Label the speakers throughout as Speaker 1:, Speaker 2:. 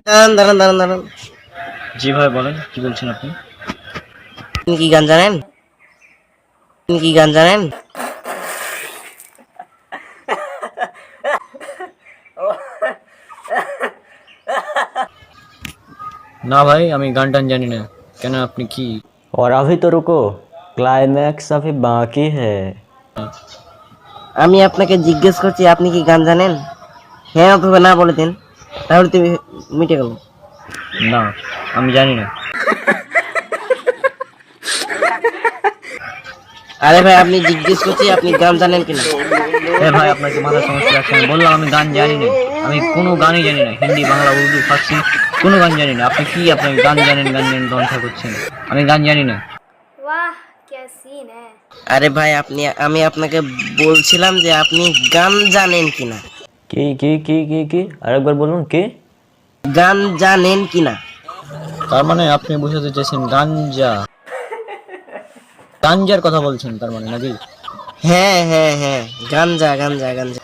Speaker 1: দাঁড়ান দাঁড়ান দাঁড়ান দাঁড়ান।
Speaker 2: জি ভাই বলেন, কি বলছেন আপনি?
Speaker 1: আপনি কি গান জানেন? আপনি কি গান জানেন?
Speaker 2: না ভাই, আমি গান টান জানি না। কেন, আপনি কি?
Speaker 3: और अभी तो रुको, क्लाइमैक्स अभी बाकी है।
Speaker 1: আমি আপনাকে জিজ্ঞেস করছি আপনি কি গান জানেন? হ্যাঁ অথবা না বলে দিন, তাহলে তুমি মিটে গেল।
Speaker 2: না, আমি জানি না।
Speaker 1: আরে ভাই আপনি জিজ্ঞেস করছি আপনি গান জানেন কিনা।
Speaker 2: এ ভাই, আপনার কি মাথার সমস্যা আছে? আমি বললাম আমি গান জানি না। আমি কোনো গানই জানি না, হিন্দি, বাংলা, উর্দু, ফার্সি কোনো গান জানি না। আপনি কি, আপনি গান জানেন গান জানেন ধ্বংসা করছেন? আমি গান জানি না।
Speaker 4: वाह क्या सीन है।
Speaker 1: আরে ভাই আমি আপনাকে বলছিলাম যে আপনি গান জানেন কিনা।
Speaker 3: কি আরেকবার বলুন কি?
Speaker 1: গান জানেন কিনা।
Speaker 2: তার মানে আপনি বুঝাতে চাইছেন গাঞ্জা, গাঞ্জার কথা বলছেন তার মানে, নাকি?
Speaker 1: হ্যাঁ হ্যাঁ হ্যাঁ, গাঞ্জা গাঞ্জা গাঞ্জা।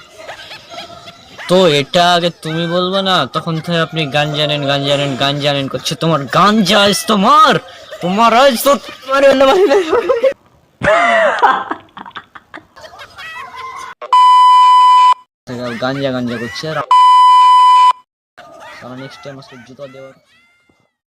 Speaker 2: তো এটা আগে তুমি বলবে না? তখন থেকে আপনি গান জানেন গান জানেন গান জানেন করছে। তোমার গাঞ্জা আজ তোমার, তোমার আজ তো তোমার গাঞ্জা গাঞ্জা করছে। আর নেক্সট টাইম আসলে জুতা দেওয়ার